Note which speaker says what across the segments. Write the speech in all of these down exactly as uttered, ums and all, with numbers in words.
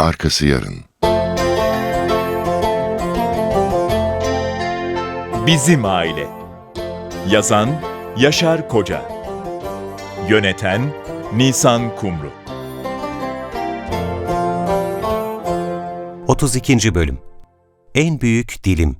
Speaker 1: arkası yarın.
Speaker 2: Bizim Aile. Yazan Yaşar Koca. Yöneten Nisan Kumru.
Speaker 3: otuz ikinci Bölüm. En Büyük Dilim.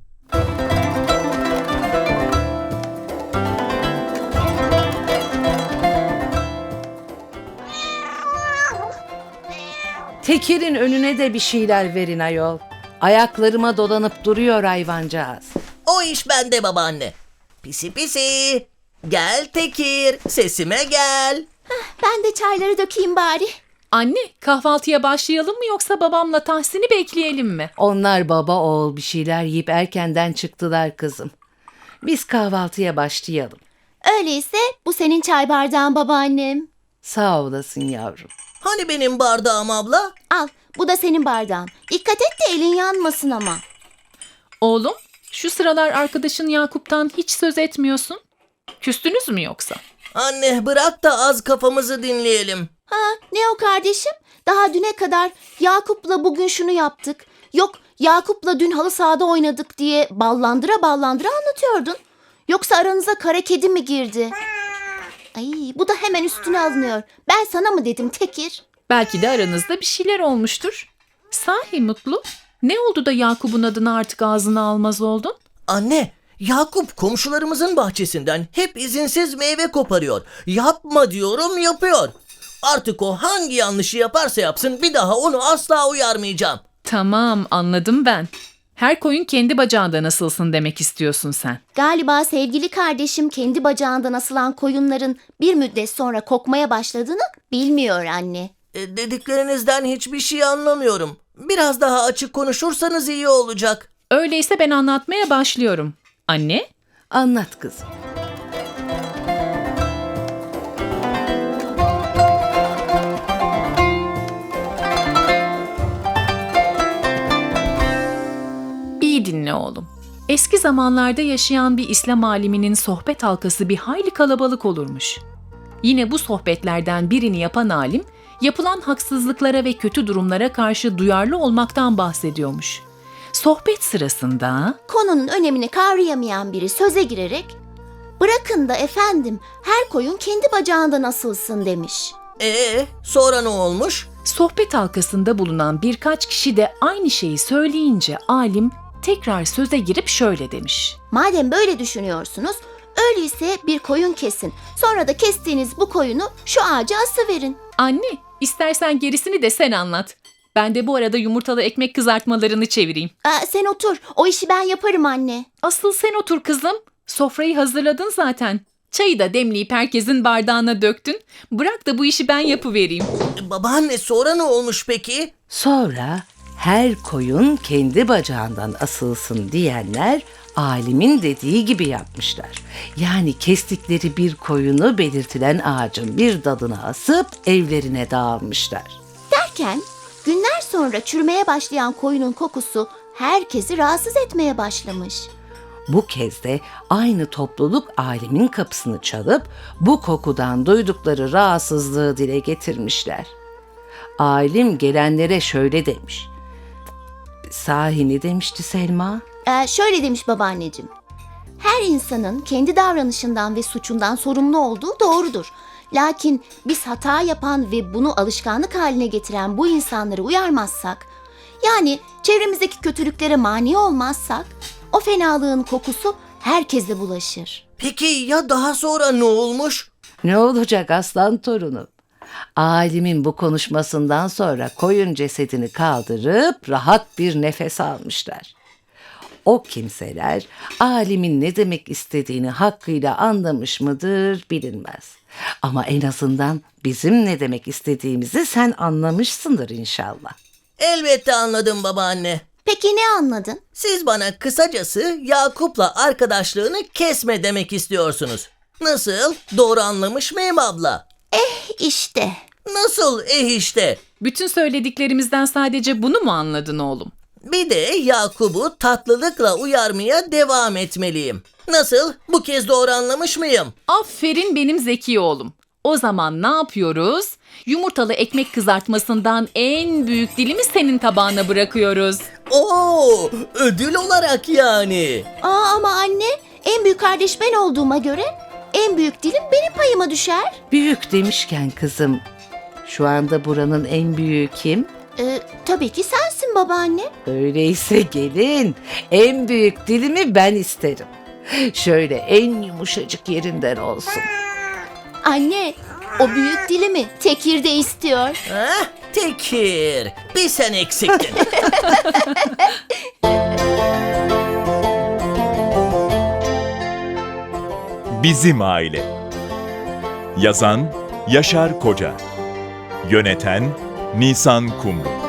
Speaker 4: Tekir'in önüne de bir şeyler verin ayol. Ayaklarıma dolanıp duruyor hayvancağız.
Speaker 5: O iş bende babaanne. Pisi pisi. Gel Tekir, sesime gel.
Speaker 6: Ben de çayları dökeyim bari.
Speaker 7: Anne, kahvaltıya başlayalım mı yoksa babamla Tahsin'i bekleyelim mi?
Speaker 4: Onlar baba oğul bir şeyler yiyip erkenden çıktılar kızım. Biz kahvaltıya başlayalım.
Speaker 6: Öyleyse bu senin çay bardağın babaannem.
Speaker 4: Sağ olasın yavrum.
Speaker 5: Hani benim bardağım abla?
Speaker 6: Al, bu da senin bardağın. Dikkat et de elin yanmasın ama.
Speaker 7: Oğlum, şu sıralar arkadaşın Yakup'tan hiç söz etmiyorsun. Küstünüz mü yoksa?
Speaker 5: Anne bırak da az kafamızı dinleyelim.
Speaker 6: Ha, ne o kardeşim? Daha düne kadar Yakup'la bugün şunu yaptık. Yok, Yakup'la dün halı sahada oynadık diye ballandıra ballandıra anlatıyordun. Yoksa aranıza kara kedi mi girdi? Ay, bu da hemen üstüne alınıyor. Ben sana mı dedim Tekir?
Speaker 7: Belki de aranızda bir şeyler olmuştur. Sahi Mutlu, ne oldu da Yakup'un adını artık ağzına almaz oldun?
Speaker 5: Anne, Yakup komşularımızın bahçesinden hep izinsiz meyve koparıyor. Yapma diyorum, yapıyor. Artık o hangi yanlışı yaparsa yapsın bir daha onu asla uyarmayacağım.
Speaker 7: Tamam, anladım ben. Her koyun kendi bacağında nasılsın demek istiyorsun sen.
Speaker 6: Galiba sevgili kardeşim kendi bacağından asılan koyunların bir müddet sonra kokmaya başladığını bilmiyor anne.
Speaker 5: E, dediklerinizden hiçbir şey anlamıyorum. Biraz daha açık konuşursanız iyi olacak.
Speaker 7: Öyleyse ben anlatmaya başlıyorum. Anne?
Speaker 4: Anlat kızım.
Speaker 7: İyi dinle oğlum. Eski zamanlarda yaşayan bir İslam aliminin sohbet halkası bir hayli kalabalık olurmuş. Yine bu sohbetlerden birini yapan alim, yapılan haksızlıklara ve kötü durumlara karşı duyarlı olmaktan bahsediyormuş. Sohbet sırasında...
Speaker 6: Konunun önemini kavrayamayan biri söze girerek "Bırakın da efendim her koyun kendi bacağından asılsın" demiş.
Speaker 5: Ee, sonra ne olmuş?
Speaker 7: Sohbet halkasında bulunan birkaç kişi de aynı şeyi söyleyince alim tekrar söze girip şöyle demiş.
Speaker 6: Madem böyle düşünüyorsunuz, öyleyse bir koyun kesin. Sonra da kestiğiniz bu koyunu şu ağaca asıverin.
Speaker 7: Anne, istersen gerisini de sen anlat. Ben de bu arada yumurtalı ekmek kızartmalarını çevireyim.
Speaker 6: Aa, sen otur, o işi ben yaparım anne.
Speaker 7: Asıl sen otur kızım. Sofrayı hazırladın zaten. Çayı da demleyip herkesin bardağına döktün. Bırak da bu işi ben yapıvereyim.
Speaker 5: E, babaanne sonra ne olmuş peki?
Speaker 4: Sonra her koyun kendi bacağından asılsın diyenler alimin dediği gibi yapmışlar. Yani kestikleri bir koyunu belirtilen ağacın bir dalına asıp evlerine dağılmışlar.
Speaker 6: Derken günler sonra çürümeye başlayan koyunun kokusu herkesi rahatsız etmeye başlamış.
Speaker 4: Bu kez de aynı topluluk alimin kapısını çalıp bu kokudan duydukları rahatsızlığı dile getirmişler. Alim gelenlere şöyle demiş. Sahi ne demişti Selma?
Speaker 6: Ee, şöyle demiş babaanneciğim. Her insanın kendi davranışından ve suçundan sorumlu olduğu doğrudur. Lakin biz hata yapan ve bunu alışkanlık haline getiren bu insanları uyarmazsak, yani çevremizdeki kötülüklere mani olmazsak, o fenalığın kokusu herkese bulaşır.
Speaker 5: Peki ya daha sonra ne olmuş?
Speaker 4: Ne olacak aslan torunum? Alimin bu konuşmasından sonra koyun cesedini kaldırıp rahat bir nefes almışlar. O kimseler alimin ne demek istediğini hakkıyla anlamış mıdır bilinmez. Ama en azından bizim ne demek istediğimizi sen anlamışsındır inşallah.
Speaker 5: Elbette anladım babaanne.
Speaker 6: Peki ne anladın?
Speaker 5: Siz bana kısacası Yakup'la arkadaşlığını kesme demek istiyorsunuz. Nasıl? Doğru anlamış mıyım abla?
Speaker 6: İşte.
Speaker 5: Nasıl eh işte?
Speaker 7: Bütün söylediklerimizden sadece bunu mu anladın oğlum?
Speaker 5: Bir de Yakup'u tatlılıkla uyarmaya devam etmeliyim. Nasıl? Bu kez doğru anlamış mıyım?
Speaker 7: Aferin benim zeki oğlum. O zaman ne yapıyoruz? Yumurtalı ekmek kızartmasından en büyük dilimi senin tabağına bırakıyoruz.
Speaker 5: Oo, ödül olarak yani.
Speaker 6: Aa ama anne, en büyük kardeş ben olduğuma göre en büyük dilim benim payıma düşer.
Speaker 4: Büyük demişken kızım, şu anda buranın en büyüğü kim?
Speaker 6: Ee, tabii ki sensin babaanne.
Speaker 4: Öyleyse gelin, en büyük dilimi ben isterim. Şöyle en yumuşacık yerinden olsun.
Speaker 6: Anne, o büyük dilimi Tekir de istiyor.
Speaker 5: Heh, Tekir, bir sen eksiktin.
Speaker 2: Bizim Aile. Yazan Yaşar Koca. Yöneten Nisan Kumru.